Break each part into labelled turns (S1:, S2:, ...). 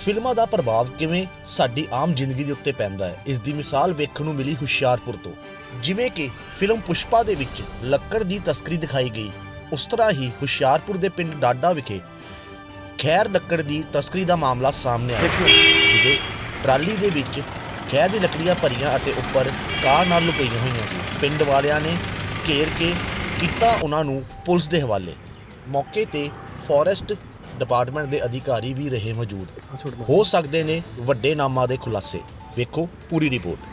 S1: ਫਿਲਮਾਂ ਦਾ ਪ੍ਰਭਾਵ ਕਿਵੇਂ ਸਾਡੀ ਆਮ ਜ਼ਿੰਦਗੀ ਦੇ ਉੱਤੇ ਪੈਂਦਾ ਹੈ, ਇਸ ਦੀ ਮਿਸਾਲ ਵੇਖਣ ਨੂੰ ਮਿਲੀ ਹੁਸ਼ਿਆਰਪੁਰ ਤੋਂ। ਜਿਵੇਂ ਕਿ ਫਿਲਮ ਪੁਸ਼ਪਾ ਦੇ ਵਿੱਚ ਲੱਕੜ ਦੀ ਤਸਕਰੀ ਦਿਖਾਈ ਗਈ, ਉਸ ਤਰ੍ਹਾਂ ਹੀ ਹੁਸ਼ਿਆਰਪੁਰ ਦੇ ਪਿੰਡ ਡਾਡਾ ਵਿਖੇ ਖੈਰ ਲੱਕੜ ਦੀ ਤਸਕਰੀ ਦਾ ਮਾਮਲਾ ਸਾਹਮਣੇ ਆਇਆ, ਜਿਹਦੇ ਟਰਾਲੀ ਦੇ ਵਿੱਚ ਖੈਰ ਦੀ ਲੱਕੜੀਆਂ ਭਰੀਆਂ ਅਤੇ ਉੱਪਰ ਕਾਰ ਨਾਲ ਲੁਕਾਈਆਂ ਹੋਈਆਂ ਸੀ। ਪਿੰਡ ਵਾਲਿਆਂ ਨੇ ਘੇਰ ਕੇ ਕੀਤਾ ਉਹਨਾਂ ਨੂੰ ਪੁਲਿਸ ਦੇ ਹਵਾਲੇ। ਮੌਕੇ ਤੇ ਫੋਰੈਸਟ ਡਿਪਾਰਟਮੈਂਟ ਦੇ ਅਧਿਕਾਰੀ ਵੀ ਰਹੇ ਮੌਜੂਦ। ਹੋ ਸਕਦੇ ਨੇ ਵੱਡੇ ਨਾਮਾਂ ਦੇ ਖੁਲਾਸੇ। ਵੇਖੋ ਪੂਰੀ ਰਿਪੋਰਟ।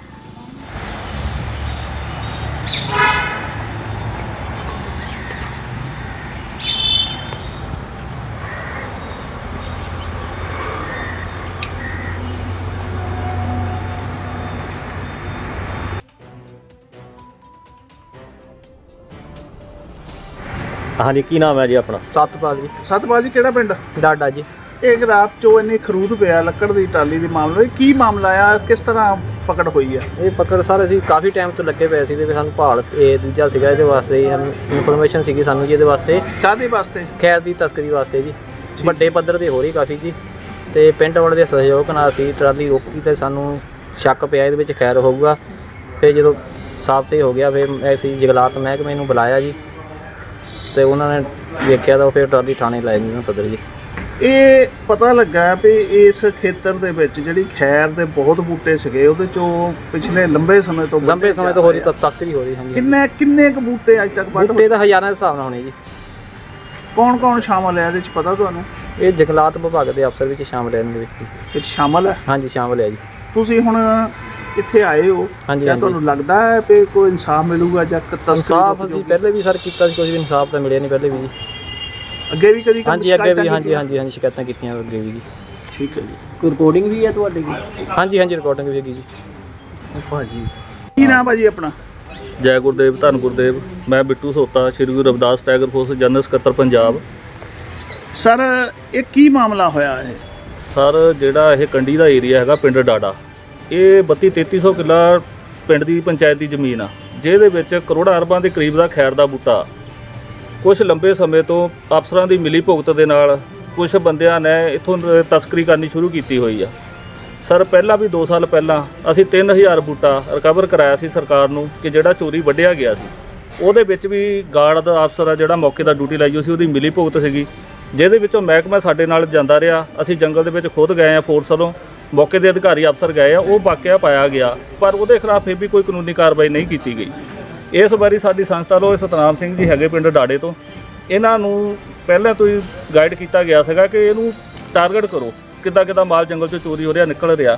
S2: हाँ जी, की नाम है जी अपना?
S3: सतपाल जी ਕਿਹੜਾ ਪਿੰਡ?
S2: डाडा जी।
S3: ਇੱਕ ਰਾਤ ਚੋਂ ਇੰਨੇ ਖਰੂਦ ਪਿਆ ਲੱਕੜ ਦੀ ਟਰਾਲੀ ਦੇ ਮਾਮਲੇ ਕੀ ਮਾਮਲਾ ਆ, ਕਿਸ ਤਰ੍ਹਾਂ ਪਕੜ ਹੋਈ ਆ?
S2: ਇਹ ਪਕੜ ਸਰ ਅਸੀਂ ਕਾਫੀ ਟਾਈਮ ਤੋਂ ਲੱਗੇ ਪਏ ਸੀ ਤੇ ਸਾਨੂੰ ਭਾਲ ਇਹ ਦੂਜਾ ਸੀਗਾ, ਇਹਦੇ ਵਾਸਤੇ ਹੀ ਸਾਨੂੰ ਇਨਫੋਰਮੇਸ਼ਨ ਸੀਗੀ ਸਾਨੂੰ ਜੀ, ਇਹਦੇ ਵਾਸਤੇ
S3: ਕਾਹਦੇ ਵਾਸਤੇ?
S2: ਖੈਰ ਦੀ ਤਸਕਰੀ ਵਾਸਤੇ ਜੀ। ਵੱਡੇ ਪੱਧਰ ਤੇ ਹੋ ਰਹੀ ਕਾਫੀ ਜੀ, ਤੇ ਪਿੰਡ ਵਾਲੇ ਦੇ ਸਹਿਯੋਗ ਨਾਲ ਅਸੀਂ ਟਰਾਲੀ ਰੋਕੀ ਤੇ ਸਾਨੂੰ ਸ਼ੱਕ ਪਿਆ ਇਹਦੇ ਵਿੱਚ ਖੈਰ ਹੋਊਗਾ। ਫਿਰ ਜਦੋਂ ਸਾਫ਼ ਤੇ ਹੋ ਗਿਆ ਫਿਰ ਅਸੀਂ ਜੰਗਲਾਤ ਮਹਿਕਮੇ ਨੂੰ ਬੁਲਾਇਆ ਜੀ, ਤੇ ਉਹਨਾਂ ਨੇ ਵੇਖਿਆ ਤਾਂ ਫਿਰ ਟਰਾਲੀ ਥਾਣੇ ਲੈ ਗਏ ਸਦਰ ਜੀ।
S3: ਇਹ ਪਤਾ ਲੱਗਾ ਵੀ ਇਸ ਖੇਤਰ ਦੇ ਵਿੱਚ ਜਿਹੜੀ ਖੈਰ ਦੇ ਬਹੁਤ ਬੂਟੇ ਸੀਗੇ, ਉਹਦੇ ਚੋਂ ਪਿਛਲੇ ਲੰਬੇ ਸਮੇਂ ਤੋਂ
S2: ਹੋ ਰਹੀ ਤਸਕਰੀ ਹੋ ਰਹੀ। ਹਾਂਜੀ,
S3: ਕਿੰਨੇ ਕੁ ਬੂਟੇ ਅੱਜ ਤੱਕ ਵੱਢ
S2: ਬੂਟੇ ਤਾਂ ਹਜ਼ਾਰਾਂ ਦੇ ਹਿਸਾਬ ਨਾਲ ਹੋਣੇ ਜੀ।
S3: ਕੌਣ ਸ਼ਾਮਲ ਹੈ ਇਹਦੇ ਵਿੱਚ ਪਤਾ ਤੁਹਾਨੂੰ?
S2: ਇਹ ਜੰਗਲਾਤ ਵਿਭਾਗ ਦੇ ਅਫਸਰ ਵਿੱਚ ਸ਼ਾਮਲ ਹੈ ਇਹਦੇ ਵਿੱਚ।
S3: ਵਿੱਚ ਸ਼ਾਮਲ ਹੈ?
S2: ਹਾਂਜੀ ਸ਼ਾਮਲ ਹੈ ਜੀ।
S3: ਤੁਸੀਂ ਹੁਣ ਇੱਥੇ ਆਏ ਹੋ,
S2: ਹਾਂਜੀ
S3: ਤੁਹਾਨੂੰ ਲੱਗਦਾ ਹੈ ਕਿ ਕੋਈ ਇਨਸਾਫ ਮਿਲੂਗਾ ਜਾਂ
S2: ਇਨਸਾਫ? ਅਸੀਂ ਪਹਿਲੇ ਵੀ ਸਰ ਕੀਤਾ ਸੀ, ਕੁਝ ਵੀ ਇਨਸਾਫ ਤਾਂ ਮਿਲਿਆ ਨਹੀਂ ਪਹਿਲੇ ਵੀ ਜੀ।
S3: ਅੱਗੇ ਵੀ ਕਦੀ?
S2: ਹਾਂਜੀ ਅੱਗੇ ਵੀ, ਹਾਂਜੀ ਸ਼ਿਕਾਇਤਾਂ ਕੀਤੀਆਂ ਅੱਗੇ ਵੀ ਜੀ।
S3: ਠੀਕ ਹੈ ਜੀ।
S2: ਕੋਈ ਰਿਕਾਰਡਿੰਗ ਵੀ ਹੈ ਤੁਹਾਡੀ? ਹਾਂਜੀ ਰਿਕਾਰਡਿੰਗ ਵੀ ਹੈਗੀ ਜੀ।
S3: ਭਾਜੀ ਕੀ ਨਾਮ ਭਾਜੀ ਆਪਣਾ?
S4: ਜੈ ਗੁਰਦੇਵ ਧੰਨ ਗੁਰਦੇਵ। ਮੈਂ Bittu Sota, Shri Guru Ravidas tiger force general ਸਕੱਤਰ ਪੰਜਾਬ।
S3: ਸਰ ਇਹ ਕੀ ਮਾਮਲਾ ਹੋਇਆ ਇਹ?
S4: ਸਰ ਜਿਹੜਾ ਇਹ ਕੰਢੀ ਦਾ ਏਰੀਆ ਹੈਗਾ ਪਿੰਡ ਡਾਡਾ, ਇਹ 32-3300 ਕਿੱਲਾ ਪਿੰਡ ਦੀ ਪੰਚਾਇਤ ਦੀ ਜ਼ਮੀਨ ਆ, ਜਿਹਦੇ ਵਿੱਚ ਕਰੋੜਾਂ ਅਰਬਾਂ ਦੇ ਕਰੀਬ ਦਾ ਖੈਰ ਦਾ ਬੂਟਾ ਕੁਝ ਲੰਬੇ ਸਮੇਂ ਤੋਂ ਅਫਸਰਾਂ ਦੀ ਮਿਲੀ ਭੁਗਤ ਦੇ ਨਾਲ ਕੁਝ ਬੰਦਿਆਂ ਨੇ ਇੱਥੋਂ ਤਸਕਰੀ ਕਰਨੀ ਸ਼ੁਰੂ ਕੀਤੀ ਹੋਈ ਆ। ਸਰ ਪਹਿਲਾਂ ਵੀ 2 ਸਾਲ ਪਹਿਲਾਂ ਅਸੀਂ 3000 ਬੂਟਾ ਰਿਕਵਰ ਕਰਾਇਆ ਸੀ ਸਰਕਾਰ ਨੂੰ, ਕਿ ਜਿਹੜਾ ਚੋਰੀ ਵੱਢਿਆ ਗਿਆ ਸੀ। ਉਹਦੇ ਵਿੱਚ ਵੀ ਗਾਰਡ ਦਾ ਅਫਸਰ ਆ ਜਿਹੜਾ ਮੌਕੇ ਦਾ ਡਿਊਟੀ ਲਾਈ ਹੋਈ ਸੀ, ਉਹਦੀ ਮਿਲੀ ਭੁਗਤ ਸੀਗੀ, ਜਿਹਦੇ ਵਿੱਚੋਂ ਮਹਿਕਮਾ ਸਾਡੇ ਨਾਲ ਜਾਂਦਾ ਰਿਹਾ। ਅਸੀਂ ਜੰਗਲ ਦੇ ਵਿੱਚ ਖੁਦ ਗਏ ਆ, ਫੋਰਸ ਵੱਲੋਂ ਮੌਕੇ ਦੇ ਅਧਿਕਾਰੀ ਅਫਸਰ ਗਏ ਆ, ਉਹ ਵਾਕਿਆ ਪਾਇਆ ਗਿਆ, ਪਰ ਉਹਦੇ ਖਿਲਾਫ ਫਿਰ ਵੀ ਕੋਈ ਕਾਨੂੰਨੀ ਕਾਰਵਾਈ ਨਹੀਂ ਕੀਤੀ ਗਈ। ਇਸ ਵਾਰੀ ਸਾਡੀ ਸੰਸਥਾ ਵੱਲੋਂ ਸਤਨਾਮ ਸਿੰਘ ਜੀ ਹੈਗੇ ਪਿੰਡ ਡਾੜੇ ਤੋਂ, ਇਹਨਾਂ ਨੂੰ ਪਹਿਲਾਂ ਤੋਂ ਹੀ ਗਾਈਡ ਕੀਤਾ ਗਿਆ ਸੀਗਾ ਕਿ ਇਹਨੂੰ ਟਾਰਗੇਟ ਕਰੋ, ਕਿੱਦਾਂ ਮਾਲ ਜੰਗਲ 'ਚੋਂ ਚੋਰੀ ਹੋ ਰਿਹਾ, ਨਿਕਲ ਰਿਹਾ।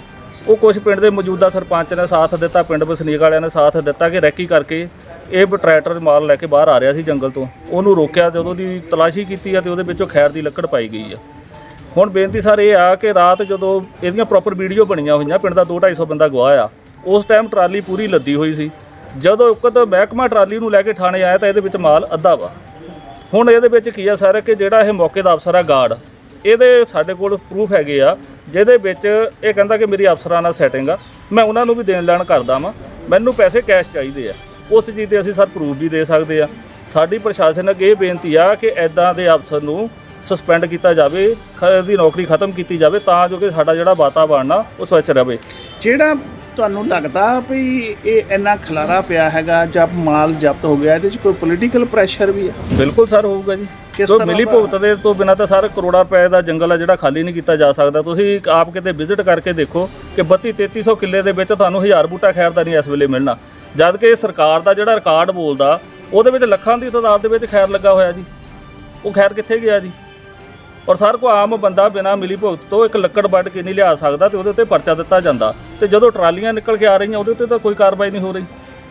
S4: ਉਹ ਕੁਝ ਪਿੰਡ ਦੇ ਮੌਜੂਦਾ ਸਰਪੰਚ ਨੇ ਸਾਥ ਦਿੱਤਾ, ਪਿੰਡ ਵਸਨੀਕ ਵਾਲਿਆਂ ਨੇ ਸਾਥ ਦਿੱਤਾ ਕਿ ਰੈਕੀ ਕਰਕੇ ਇਹ ਟਰੈਕਟਰ ਮਾਲ ਲੈ ਕੇ ਬਾਹਰ ਆ ਰਿਹਾ ਸੀ ਜੰਗਲ ਤੋਂ, ਉਹਨੂੰ ਰੋਕਿਆ, ਜਦੋਂ ਉਹਦੀ ਤਲਾਸ਼ੀ ਕੀਤੀ ਆ ਤੇ ਉਹਦੇ ਵਿੱਚੋਂ ਖੈਰ ਦੀ ਲੱਕੜ ਪਾਈ ਗਈ ਆ। ਹੁਣ ਬੇਨਤੀ ਸਰ ਇਹ ਆ ਕਿ ਰਾਤ ਜਦੋਂ ਇਹਦੀਆਂ ਪ੍ਰੋਪਰ ਵੀਡੀਓ ਬਣੀਆਂ ਹੋਈਆਂ, ਪਿੰਡ ਦਾ 200-250 ਬੰਦਾ ਗਵਾਹ ਆ, ਉਸ ਟਾਈਮ ਟਰਾਲੀ ਪੂਰੀ ਲੱਦੀ ਹੋਈ ਸੀ। ਜਦੋਂ ਉਕਤ ਮਹਿਕਮਾ ਟਰਾਲੀ ਨੂੰ ਲੈ ਕੇ ਥਾਣੇ ਆਇਆ ਤਾਂ ਇਹਦੇ ਵਿੱਚ ਮਾਲ ਅੱਧਾ ਵਾ। ਹੁਣ ਇਹਦੇ ਵਿੱਚ ਕੀ ਆ ਸਰ ਕਿ ਜਿਹੜਾ ਇਹ ਮੌਕੇ ਦਾ ਅਫਸਰ ਆ ਗਾਰਡ, ਇਹਦੇ ਸਾਡੇ ਕੋਲ ਪ੍ਰੂਫ ਹੈਗੇ ਆ, ਜਿਹਦੇ ਵਿੱਚ ਇਹ ਕਹਿੰਦਾ ਕਿ ਮੇਰੀ ਅਫਸਰਾਂ ਨਾਲ ਸੈਟਿੰਗ ਆ, ਮੈਂ ਉਹਨਾਂ ਨੂੰ ਵੀ ਦੇਣ ਲੈਣ ਕਰਦਾ ਵਾਂ, ਮੈਨੂੰ ਪੈਸੇ ਕੈਸ਼ ਚਾਹੀਦੇ ਆ। ਉਸ ਚੀਜ਼ 'ਤੇ ਅਸੀਂ ਸਰ ਪ੍ਰੂਫ ਵੀ ਦੇ ਸਕਦੇ ਆ। ਸਾਡੀ ਪ੍ਰਸ਼ਾਸਨ ਅੱਗੇ ਇਹ ਬੇਨਤੀ ਆ ਕਿ ਇੱਦਾਂ ਦੇ ਅਫਸਰ ਨੂੰ ਸਸਪੈਂਡ ਕੀਤਾ ਜਾਵੇ, ਇਹਦੀ ਨੌਕਰੀ ਖਤਮ ਕੀਤੀ ਜਾਵੇ, ਤਾਂ ਜੋ ਕਿ ਸਾਡਾ ਜਿਹੜਾ ਵਾਤਾਵਰਨ ਆ ਉਹ ਸਵੱਛ ਰਹੇ। ਜਿਹੜਾ ਤੁਹਾਨੂੰ ਲੱਗਦਾ ਵੀ ਇਹ ਇੰਨਾ ਖਲਾਰਾ ਪਿਆ ਹੈਗਾ ਜਾਂ ਮਾਲ ਜ਼ਬਤ ਹੋ ਗਿਆ, ਇਹਦੇ 'ਚ ਕੋਈ ਪੋਲੀਟੀਕਲ ਪ੍ਰੈਸ਼ਰ ਵੀ ਹੈ? ਬਿਲਕੁਲ ਸਰ ਹੋਊਗਾ ਜੀ। ਮਿਲੀ ਭੁਗਤ ਦੇ ਤੋਂ ਬਿਨਾਂ ਤਾਂ ਸਰ ਕਰੋੜਾਂ ਰੁਪਏ ਦਾ ਜੰਗਲ ਆ ਜਿਹੜਾ ਖਾਲੀ ਨਹੀਂ ਕੀਤਾ ਜਾ ਸਕਦਾ। ਤੁਸੀਂ ਆਪ ਕਿਤੇ ਵਿਜ਼ਿਟ ਕਰਕੇ ਦੇਖੋ ਕਿ 32-3300 ਕਿੱਲੇ ਦੇ ਵਿੱਚ ਤੁਹਾਨੂੰ 1000 ਬੂਟਾ ਖੈਰ ਦਾ ਨਹੀਂ ਇਸ ਵੇਲੇ ਮਿਲਣਾ, ਜਦ ਕਿ ਸਰਕਾਰ ਦਾ ਜਿਹੜਾ ਰਿਕਾਰਡ ਬੋਲਦਾ ਉਹਦੇ ਵਿੱਚ ਲੱਖਾਂ ਦੀ ਤਾਦਾਦ ਦੇ ਵਿੱਚ ਖੈਰ ਲੱਗਾ ਹੋਇਆ ਜੀ। ਉਹ ਖੈਰ ਕਿੱਥੇ ਗਿਆ ਜੀ? ਔਰ ਸਰ ਕੋਈ ਆਮ ਬੰਦਾ ਬਿਨਾਂ ਮਿਲੀ ਭੁਗਤ ਤੋਂ ਇੱਕ ਲੱਕੜ ਵੱਢ ਕੇ ਨਹੀਂ ਲਿਆ ਸਕਦਾ, ਤੇ ਉਹਦੇ ਉੱਤੇ ਪਰਚਾ ਦਿੱਤਾ ਜਾਂਦਾ, ਤੇ ਜਦੋਂ ਟਰਾਲੀਆਂ ਨਿਕਲ ਕੇ ਆ ਰਹੀਆਂ ਉਹਦੇ ਉੱਤੇ ਤਾਂ ਕੋਈ ਕਾਰਵਾਈ ਨਹੀਂ ਹੋ ਰਹੀ।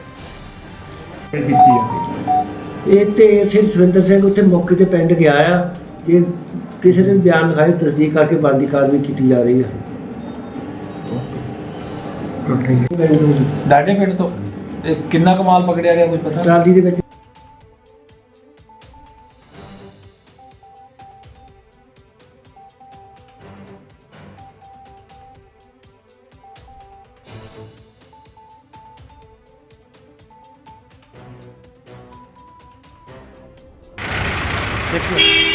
S5: ਇਹ ਤੇ ਸਿਰ ਸੁਰਿੰਦਰ ਸਿੰਘ ਉੱਥੇ ਮੌਕੇ ਤੇ ਪਿੰਡ ਗਿਆ ਆ, ਜੇ ਕਿਸੇ ਨੇ ਬਿਆਨ ਲਿਖਾਈ ਤਸਦੀਕ ਕਰਕੇ ਬਣਦੀ ਕਾਰਵਾਈ ਕੀਤੀ ਜਾ ਰਹੀ ਹੈ।
S6: ਡਾਡੇ ਪਿੰਡ ਤੋਂ ਕਿੰਨਾ ਕਮਾਲ ਪਕੜਿਆ ਗਿਆ ਕੁਝ ਪਤਾ?
S5: ਟਰਾਲੀ ਦੇ ਵਿੱਚ
S3: देखिए